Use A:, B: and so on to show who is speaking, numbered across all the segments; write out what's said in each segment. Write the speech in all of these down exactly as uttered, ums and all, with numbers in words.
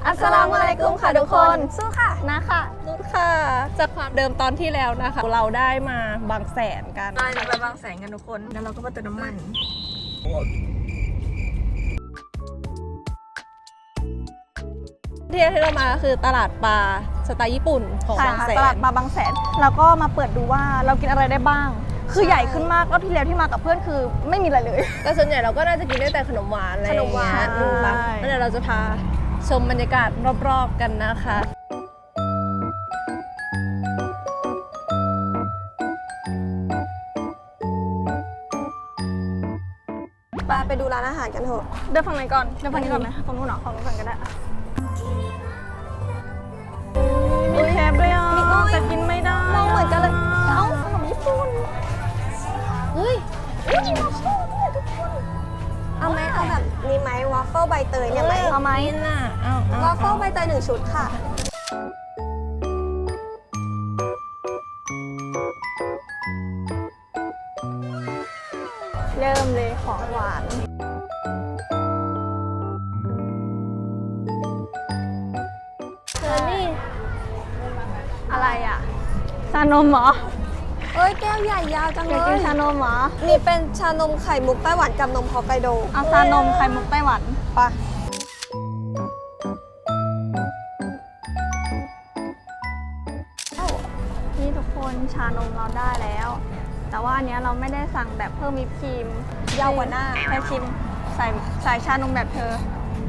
A: อัสสลามุอะลัยกุมค่ะทุกคนสู้ค่ะนะค่ะ
B: นุชค่ะจากความเดิมตอนที่แล้วนะคะเราได้มาบางแสนกัน
A: มาไปบางแสนกันทุกคนแล้วเราก็มาเติมน้ำมัน
B: ที่ที่เรามาก็คือตลาดปลาสไตล์ญี่ปุ่นของ
A: ใช่
B: บาง
A: ค่ะ
B: แส
A: ตลาน ดมาบางแสนแล้วก็มาเปิดดูว่าเรากินอะไรได้บ้าง คือใหญ่ขึ้นมากรอบที่แล้วที่มากับเพื่อนคือไม่มีอะไรเลย
B: แต่ส่วนใหญ่เราก็น่าจะกินได้แต่ขนมหวานอะไรอย่างเงี้ย
A: ขนมหวาน
B: ดูปะแล้วเดี๋ยวเราจะพาชมบรรยากาศรอบๆกันนะคะ
A: ไปไปดูร้านอาหารกันเถอะเดินฝั่งไหนก่อนเดินฝั่งนี้ก่อนไหมฝั่งนู้นเหรอฝั่งนู้นก่อนก็ได้มีแคปด้วยอ่ะแต่กินไม่ได้มองเหมือนกันเลยเอ้าขนมญี่ปุ่น
B: เฮ้ย
A: มีวอฟเฟิลด้วยทุกคนเอาไหมเอาแบบนี้ไหมวอฟเฟิลใบเตยเนี่ยไหมเอาไหม
B: กินน่ะเอาเอา
A: วอฟเฟิลใบเตยหนึ่งชุดค่ะเริ่มเลยของหวานเธอนี่อะไรอ่ะชานมเหรอเอ้ยแก้วใหญ่ยาวจังเลยอยากกินชานมเหรอนี่เป็นชานมไข่มุกไต้หวันกับนมฮอกไกโดเอาชานมไข่มุกไต้หวันปะนี่ทุกคนชานมเราได้แล้ว แต่ว่าอันเนี้ยเราไม่ได้สั่งแบบเพิ่มวิปครีมยาวกว่าหน้าแค่ชิมใส่ใส่ชานมแบบเธอ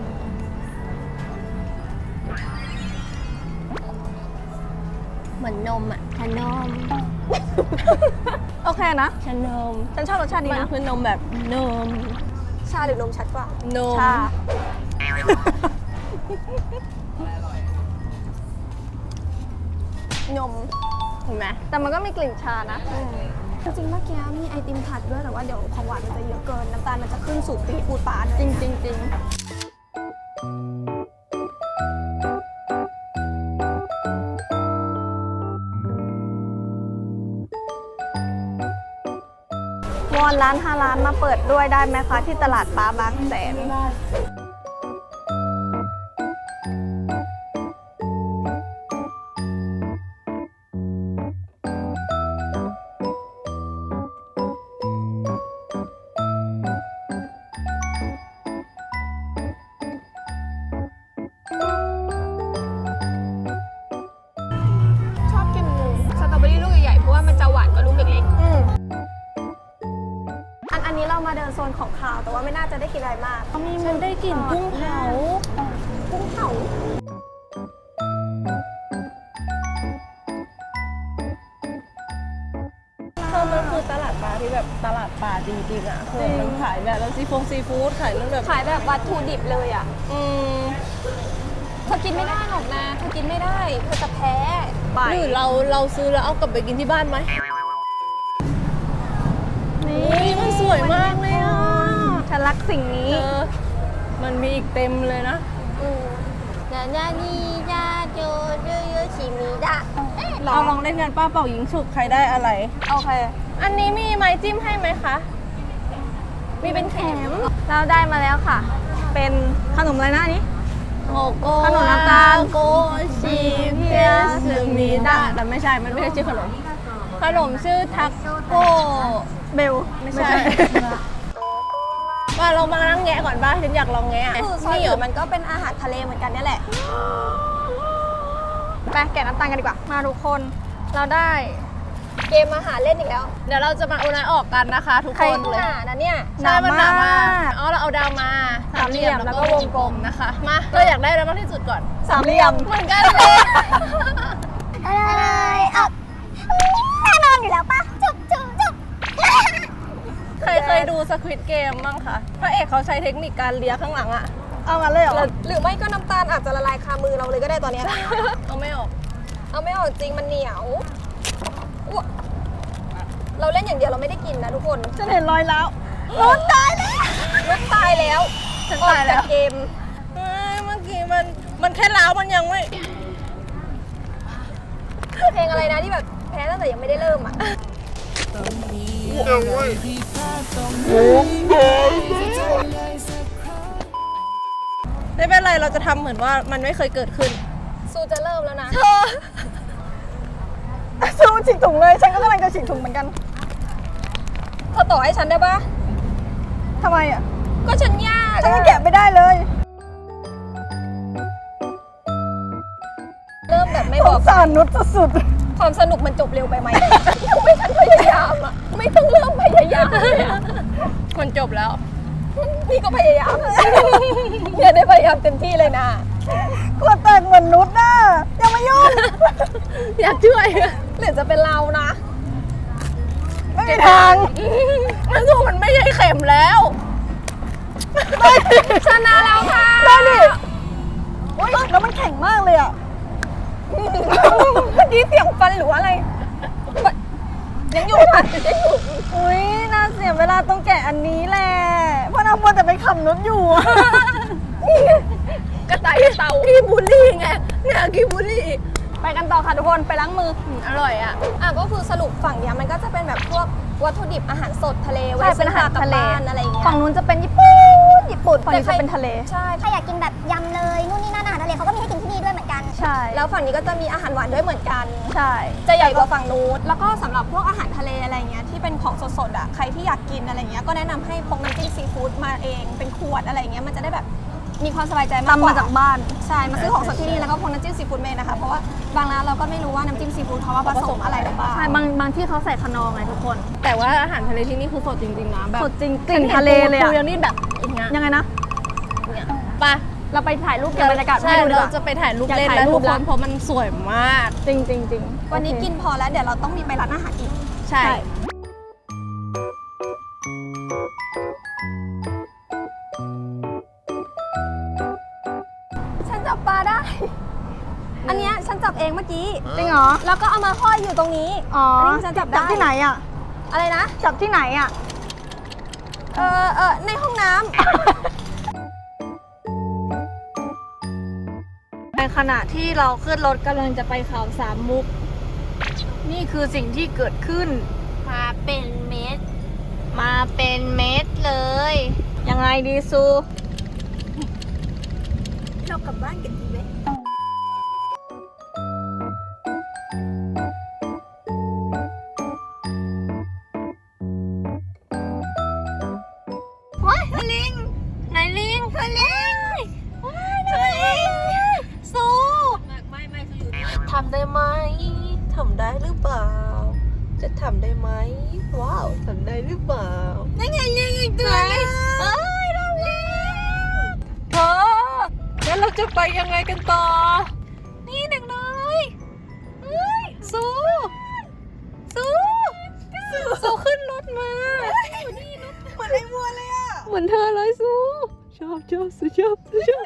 B: เหมือนนมอ่ะชานม
A: โอเคนะ
B: ชานม
A: ฉันชอบรสชาตินี้
B: มัน
A: นะ
B: คือนมแบบนม
A: ชาหรือนมชัดกว่าน
B: ม
A: ชา นม
B: เห็นไหม
A: แต่มันก็มีกลิ่นชานะจริงๆเมื่อกี้มีไอติมผัดด้วยแต่ว่าเดี๋ยวของหวานมันจะเยอะเกินน้ำตาลมันจะขึ้นสู่ปีปูดปานจริงจริงจริงวอนร้านฮาร้านมาเปิดด้วยได้ไหมคะที่ตลาดปลาบางแสนชอบกินสตรอเบอรี่ลูกใหญ่ๆเพราะว่ามันจะหวานกว่าลูกเล็กๆอันอันนี้เรามาเดินโซนของคาวแต่ว่าไม่น่าจะได้กินอะไรมาก
B: มีมันได้กลิ่นกุ้งเผา
A: กุ้งเผา
B: เธอมันคือตลาดปลาที่แบบตลาดปลาจริงๆอ่ะคือมันขายแบบแล้วซีฟงซีฟู้ดขายเรื่องแบบ
A: ขายแบบวัตถุดิบเลยอ่ะ
B: อืม
A: เธอกินไม่ได้หรอกนะเธอกินไม่ได้เธอจะแพ้
B: หรือเราเราซื้อแล้วเอากลับไปกินที่บ้านไหม นี่มันสวยมากเลยอ่ะ
A: ฉันรักสิ่งนี้
B: เออมันมีอีกเต็มเลยนะ
A: นานานียาโจโยโยชิมิดะ
B: เอาลองเล่นกันป้าเป่ายิงฉุกใครได้อะไร
A: โอเค
B: อันนี้มีไม้จิ้มให้ไหมคะ มีเป็นแถม
A: เราได้มาแล้วค่ะ เป็นขนมอะไรนะอันนี้
B: โมโก
A: ขนมน้ำตาล
B: โกชิเพียสึมิดะแต่ไม่ใช่ มันไม่ใช่ชื่อขนม ขนมชื่อทักโก
A: เบล
B: ไม่ใช่ มาเรามานั่งแงะก่อนป่ะฉันอยากลองแงะ
A: คือซอย
B: นี่เหร
A: อื่
B: อน
A: มันก็เป็นอาหารทะเลเหมือนกันนี่แหละไปแกะน้ำตาลกันดีกว่า มาทุกคนเราได้เกมอาหารเล่นอีกแล้ว
B: เดี๋ยวเราจะมาโอนายออกกันนะคะ ทุก
A: ใคร
B: คนเลย
A: หนานะเนี่ย
B: ใช่มันหนามาก
A: ก
B: อ๋อเราเอาดาวมา
A: สามเหลี่ยมแล้วก็วงกลม
B: นะคะ มาเราอยากได้อะไรมากที่สุดก่อน
A: สามเหลี่ยม
B: เหมือนกันเลย
A: อะไรอ่ะแน่นอนอยู่แล้วป่ะ จุ๊บจุ๊บจุ๊บ
B: ใครเคยดูสควิดเกมบ้างคะพระเอกเขาใช้เทคนิคการเลียข้างหลังอะ
A: เอางั้นเลยเหรอ หรือไม่ก็น้ำตาลอาจจะละลายคามือเราเลยก็ได้ตอนเนี้ย
B: เอาไม่ออก
A: เอาไม่ออกจริงมันเหนียวอ้วเราเล่นอย่างเดียวเราไม่ได้กินนะทุกคน
B: ฉันเห็นรอยแล้ว
A: รถตายแล้วรถตายแล้ว
B: ฉันตายแล้ว
A: ออกจกเกม
B: เฮ้ยเมื่อกี้มันมันแค่ล้าวมันยังไม่
A: เพลงอะไรนะที่แบบแพ้ตั้งแต่ยังไม่ได้เริ่มอ่ะ
B: อไม่เป็นไรเราจะทำเหมือนว่ามันไม่เคยเกิดขึ้น
A: ซูจะเริ่มแล้วนะ
B: เธอ
C: ซูฉีกถุงเลยฉันก็กำลังจะฉีกถุงเหมือนกัน
A: เธอต่อให้ฉันได้ปะ
C: ทำไมอ่ะ
A: ก็ฉันยาก
C: ฉันยังแกะไม่ได้เลย
A: เริ่มแบบไม่
C: ส
A: บอง ก
C: สารนุชสุด
A: ความสนุกมันจบเร็วไปไหม ไม่ทันพยายามอ่ะ ไม่ต้องเริ่มพยายามเลยอะ
B: มันจบแล้ว
A: นี่ก็พยายาม อย่าได้พยายามเต็มที่เลยนะ
C: ๆขวดแตกเหมือนนุชน่ะยังไม่ยุ่ง
B: อยากช่วย
A: หรือจะเป็นเรานะ
C: ไม่มีทาง
B: มันสู้มันไม่ใช่เข็มแล้ว
A: ชนะแล้วค่ะ
C: ได้ดิโอ๊ยแล้วมันแข็งมากเลยอ่ะ
A: เมื่อกี้เสียงฟันหรือว่าอะไร ยังอยู่ค่ะยังอยู่
C: อุ้ยน่าเสียเวลาต้องแกะอันนี้แหละ เพราะน้ำมัวแต่ไปขำนุชอยู่อะ
B: กระต่ายเต่าขี้บูลลี่ไงเนี่ยขี้บูลลี่
C: ไปกันต่อค่ะทุกคนไปล้างมือ
B: อืมอร่อยอ่ะ
A: อ่ะก็คือสรุปฝั่งเนี้ยมันก็จะเป็นแบบพวกวัตถุดิบอาหารสดทะเลไว้
C: ใช่เป็นอาหาร
A: ซื้อกลับ
C: ทะเล
A: บ้านอะไรอย่างเงี้ย
C: ฝั่งนู้นจะเป็นญี่ปุ่นญี่ปุ่นฝั่งนี้จะเป็นทะเล
A: ใช่
D: ใครอยากกินแบบยำเลยนู่นนี่นั่นอาหารทะเลเขาก็มีให้กินที่นี่ด้วยเหมือนกัน
C: ใช่
A: แล้วฝั่งนี้ก็จะมีอาหารหวานด้วยเหมือนกัน
C: ใช่
A: จะใหญ่กว่าฝั่งนู้นแล้วก็สำหรับพวกอาหารทะเลอะไรเงี้ยที่เป็นของสดๆอ่ะใครที่อยากกินอะไรเงี้ยก็แนะนำให้พกน้ำจิ้มซีฟู้ดมาเองเป็นขวดอะไรเงี้ยมันจะได้แบบมีความสบายใจมาก
C: ตำ
A: ก
C: มา
A: ว่า
C: จากบ้าน
A: ใช่มาซื้อของสดที่นี่แล้วก็พกน้ำจิ้มซีฟู้ดเมนนะคะเพราะว่าบางร้านเราก็ไม่รู้ว่าน้ำจิ้มซีฟู้ดเขาว่าผสมอะไรหรือเปล่า
C: ใช่บางบางที่เขาใส่คนอร์ไงทุกคน
B: แต่ว่าอาหารทะเลที่นี่คือสดจริงๆนะแบบ
C: สดจริงกลิ่นทะเลเลย
B: ปู
C: อะ
B: ยังนี่แบบอย่างเงี้ย
C: ยังไงนะ
B: เนี่ยไป
C: เราไปถ่ายรูปเก็บบรรยากาศ
B: ใช่
C: ให้ดูดีก
B: เรา
C: ว่า
B: จะไปถ่ายรูป
C: อยาก
B: เล่น
C: ถ่าย
B: แล้ว
C: รู
B: ทุ
C: ป
B: กค
C: ละ
B: นเพราะมันสวยมาก
C: จริงจริงจริง
A: วันนี้
C: โอเค
A: กินพอแล้วเดี๋ยวเราต้องมีไปร้านอาหารอีก
B: ใช่
A: ฉันจับปลาได้ อันเนี้ยฉันจับเองเมื่อกี้
C: จริงเหรอ
A: แล้วก็เอามาห้อยอยู่ตรงนี้
C: อ๋อ
A: อัน
C: อ
A: นี้ฉันจับได้
C: ที่ไหนอ่ะ
A: อะไรนะ
C: จับที่ไหนอ่ะ
A: เออเออในห้องน้ำ
C: ในขณะที่เราขึ้นรถกำลังจะไปเขาสามมุก นี่คือสิ่งที่เกิดขึ้น
B: มาเป็นเม็ด
C: มาเป็นเม็ดเลย ยังไงดีซู
A: เรากลับบ้านกันดีไหม
C: ว้ายลิงไหนลิงลิงลิงซู
B: ไม่ไม่คืออยู่ทำได้ไหมทำได้หรือเปล่า จะทำได้ไหมว้าวทำได้หรือเปล่า
C: นั่นไงลิงอีกตัวนึงเอ้ยน้องลิง
B: เธอแล้วเราจะไปยังไงกันต่อ
C: นี่เด็กน้อยเฮ้ยซูซูซูขึ้นรถมาเหมือนไอ้วัวเลยอ่ะ
B: เหมือนเธอเลยซูชอบชอบซูชอบซูชอบ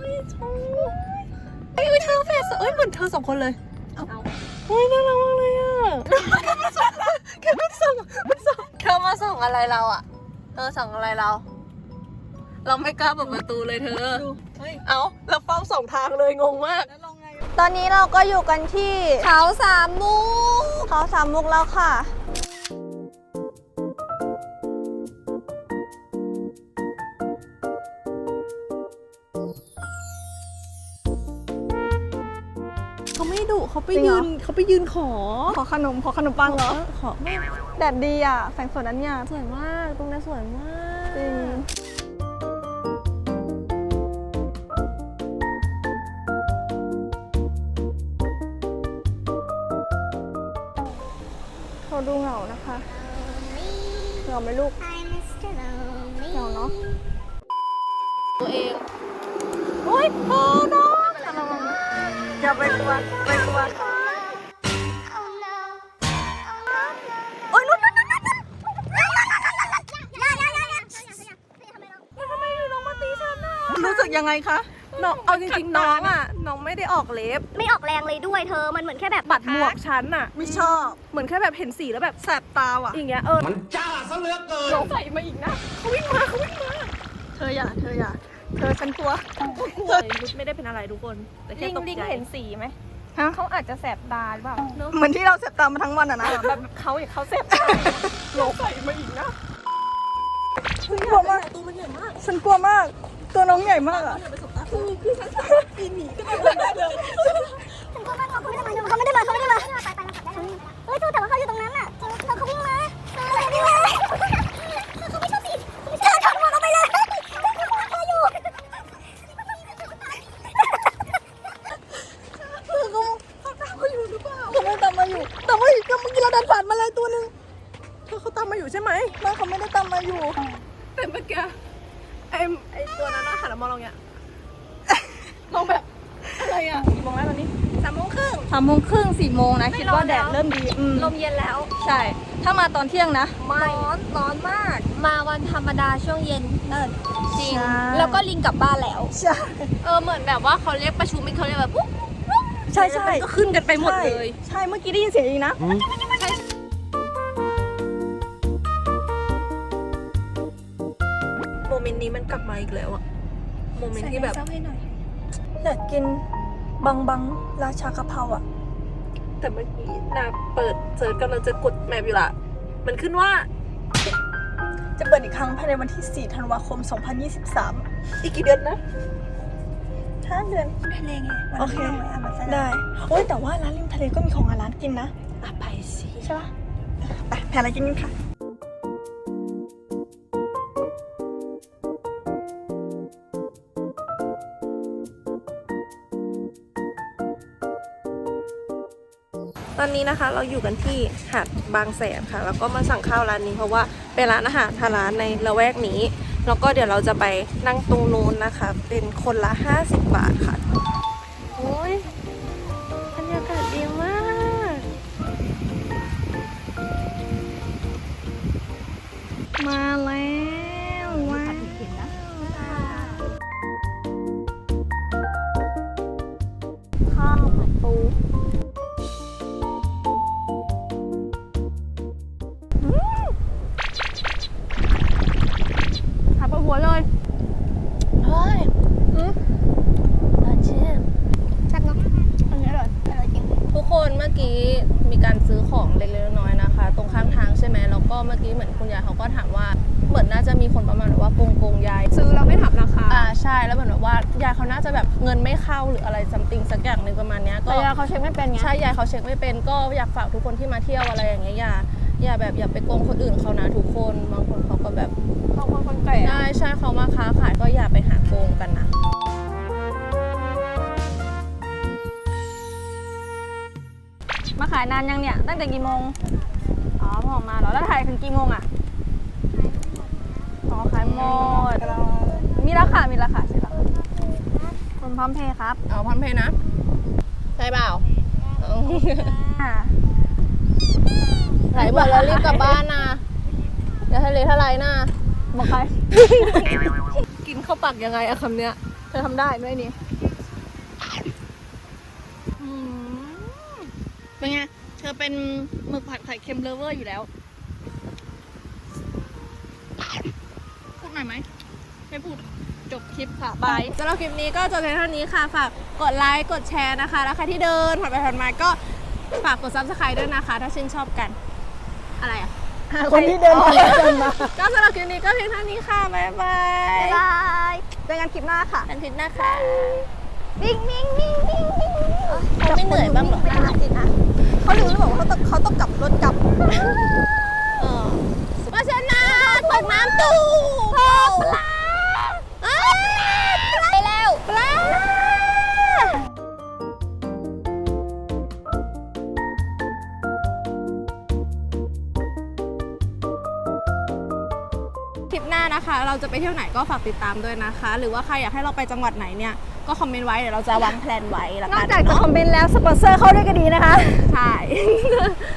B: เฮ้ยเธอแฟนเอ้ยเหมือนเธอสองคนเลยเฮ้ยน่ารักมากเลยอ่ะแค่มันส่งมันส่ง
C: เธอมาส่งอะไรเราอ่ะเธอส่งอะไรเรา เราไม่กล้าเปิดประตูเลยเธอ
B: เอาแล้วเฝ้าสองทางเลยงงมาก
C: ตอนนี้เราก็อยู่กันที่
A: เขาสามมุก
C: เขาสามมุกแล้วค่ะ
B: เขาไม่ดุเขาไป
C: จริงเหร
B: ยื
C: อ
B: นเขาไปยืนขอ
C: ขอขนมขอขนมปังเหรอ
B: ขอไม่
C: แดดดีอ่ะแสงสวยนั้นเนี่ย
B: สวยมากตรงนั้นสวยมาก
C: จริงเขาดูเหงานะคะเหงาไหมลูกเหงาเนาะ
B: ตัวเอง
C: โอ้ยโอ้น้องอย่าไปกลัวไปกลัวโอ้ยลุ้นลุ้นลุ้นลุ้น รู้สึกยังไงคะ
B: น้องเอาจริงๆน้องอ่ะน้องไม่ได้ออกเล็บ
D: ไม่ออกแรงเลยด้วยเธอ มันเหมือนแค่แบบ
B: ปัดหมวกฉันอ่ะ
C: ไม่ชอบ
B: เหมือนแค่แบบเห็นสีแล้วแบบ
C: แสบตาว่ะ
B: อย่างเงี้ยเออ
E: มันจ้าซะเหลือเกิน
B: น้องใส่มาอีกนะเขาวิ่งมาเขาวิ่งมา
C: เธออย่า เธออย่า เธอฉันกลัว
B: เฮ้ยรุดไม่ได้เป็นอะไรทุกคน แต่แค่
A: ลิง
B: ตก
A: ลิง
B: ใจ
A: เห็นสีไหม
C: ฮะ
A: เขาอาจจะแสบตาหรือเปล่า
C: เหมือนที่เราแสบตามาทั้งวันอะนะ
A: แบบเขาอย่างเขาแสบตา
B: น้องใส่มาอีกนะ
C: กลัวมาก
B: ตัวมันใหญ่มาก
C: ฉันกลัวมาก ตัวน้องใหญ่มากอะ
B: อย่าไปสบตา
D: เขาไม่ได้มาเขาไม่ได้มาไปไปมาขับได้แล้วเฮ้ยแต่ว่าเขาอยู่ตรงนั้นอ่ะเธอเขาวิ่งมาเธอวิ่งมาเขาไม่ชอบสิเธอชนเขาไปเลยเธออยู่
B: เขาตามมาอยู่หรือเปล่าเขาไม่ตามมาอยู่แต่ว่าก็เมื่อกี้เราเดินผ่านมาเลยตัวนึงเธอเขาตามมาอยู่ใช่ไหมไม่เขาไม่ได้ตามมาอยู่แต่เมื่อกี้ไอ้ไอ้ตัวนั้นหันมามองเราเนี่ยมองแบบอะไรอ่ะกี่โมงแล้วตอนนี้สามโมงครึ่ง
A: สามโมงครึ่งสี่โมงนะคิดว่าแดดเริ่มดีอืม
B: ลมเย็นแล้ว
A: ใช่ ถ้ามาตอนเที่ยงนะ
B: ร้อนร้อนมาก
C: มาวันธรรมดาช่วงเย็นเออจริง
A: ใช่
C: แล้วก็ลิงกลับบ้านแล้ว
A: ใช่
C: เออเหมือนแบบว่าเขาเรียกประชุมไม่เขาเรียกแบบปุ๊บ
A: ใช่ใช่
C: ก็ขึ้นกันไปหมดเลย
A: ใช่เมื่อกี้ได้ยินเสียงอีกนะ
B: โมเมนต์นี้มันกลับมาอีกแล้วอะโมเมนต์ที่แบบ
A: อยากกินบังบังราชากะเพราอ่ะ
B: แต่เมื่อกี้นาเปิดเซิร์ชกำลังจะกดแมปอยู่ละมันขึ้นว่า
A: จะเปิดอีกครั้งภายในวันที่สี่ธันวาคมสองพันยี่สิบสาม
B: อีกกี่เดือนนะ
A: ห้าเดือน
D: ทะเลไง
A: โอเค ได้ โอ้ยแต่ว่าร้านริมทะเลก็มีของร้านกินนะ
B: อ่ะไปสิ
A: ใช่ปะไปแพรอะไรกินกันค่ะ
B: ตอนนี้นะคะเราอยู่กันที่หาดบางแสนค่ะ แล้วก็มาสั่งข้าวร้านนี้เพราะว่าเป็นร้านอาหารทางร้านในละแวกนี้ แล้วก็เดี๋ยวเราจะไปนั่งตรงนู้นนะคะ เป็นคนละห้าสิบบาทค่ะโอ้ยบรรยากาศดีมาก
A: มาแล้วว้าวข้าวผัดปูผัดปลาหัวเลย
C: เฮ้ยเออเชื่อ
D: แซ่บเนาะอันนี้อร่อยอร่อยจริง
B: ทุกคนเมื่อกี้มีการซื้อของเล็กๆน้อยๆนะคะ ตรงข้างทางใช่ไหมแล้วก็เมื่อกี้เหมือนคุณยายเขาก็ถามว่าเหมือนน่าจะมีคนประมาณว่าโกงโกงยายซื้อแล้วไม่ถามราคาอ่าใช่แล้วเหมือนแบบว่ายายเขาน่าจะแบบเงินไม่เข้าหรืออะไรซัมติงสักอย่างหนึ่งประมาณเนี้ยก็
A: แต่ยาเขาเช็คไม่เป็นไง
B: ใช่ยายเขาเช็คไม่เป็นก็อยากฝากทุกคนที่มาเที่ยวอะไรอย่างเงี้ยอย่าอย่าแบบอย่าไปโกงคนอื่นเขานะทุกคนบางคนเขาก็แบบ
A: บางคนคนแก่
B: ใช่ใช่เขามาค้าขายก็อย่าไปหาโกงกันนะ
A: มาขายนานยังเนี่ย ตั้งแต่กี่โมง อ๋อพอออกมาเหรอ แล้วถ่ายถึงกี่โมงอ่ะ อ๋อ ขายหมด มีราคา มีราคาใช่ไหมคุณพร้อมเพย์ครับ
B: เอาพันเพนะใช่เปล่า
A: อ่า
B: ไหนบอกแล้วรีบกลับบ้านนะอย่าทะเลทลายนะ
A: บอกใคร
B: กินข้าวปักยังไงอะคำเนี้ยเธอทำได้ไหมนี่
A: เป็นไง เธอเป็นหมึกผัดไข่เค็มเลฟเวอร์อยู่แล้ว พูดหน่อยไหม ไม่พูด จบคลิปค่ะ บาย
B: สำหรับคลิปนี้ก็จบเพียงเท่านี้ค่ะฝากกดไลค์กดแชร์นะคะ แล้วใครที่เดินผ่านไปผ่านมาก็ฝากกดซับสไครต์ด้วยนะคะ ถ้าชื่นชอบกัน อะไรอะ
A: คนที่เดินผ่านไปมา
B: ก็สำหรับคลิปนี้ก็เพียงเท่านี้ค่ะ บ๊ายบาย
A: บายเจอกันคลิปหน้าค่ะ
B: กันคลิปหน้าค่ะ
A: วิ่งวิ่งวิ่งวิ่งวิ่ง
B: เขาไม่เหนื่อยบ้างเหรอ
A: ไม่น่าจิตอ่ะเขาลืมหรือเปล่าว่าเขาต้องเขาต้องกลับรถกลับ
B: เออมาชนะตกน้ำตู้ปลาไปแล้วปลาคลิปหน้านะคะ เราจะไปเที่ยวไหนก็ฝากติดตามด้วยนะคะ หรือว่าใครอยากให้เราไปจังหวัดไหนเนี่ยก็คอมเมนต์ไว้เดี๋ยวเราจะวางแผนไว้ละ
A: นอ
B: กั
A: ก
B: น
A: จากจะ
B: เนาะ
A: คอมเมนต์แล้วสปอนเซอร์เข้าด้วยก็ดีนะคะ
B: ใช่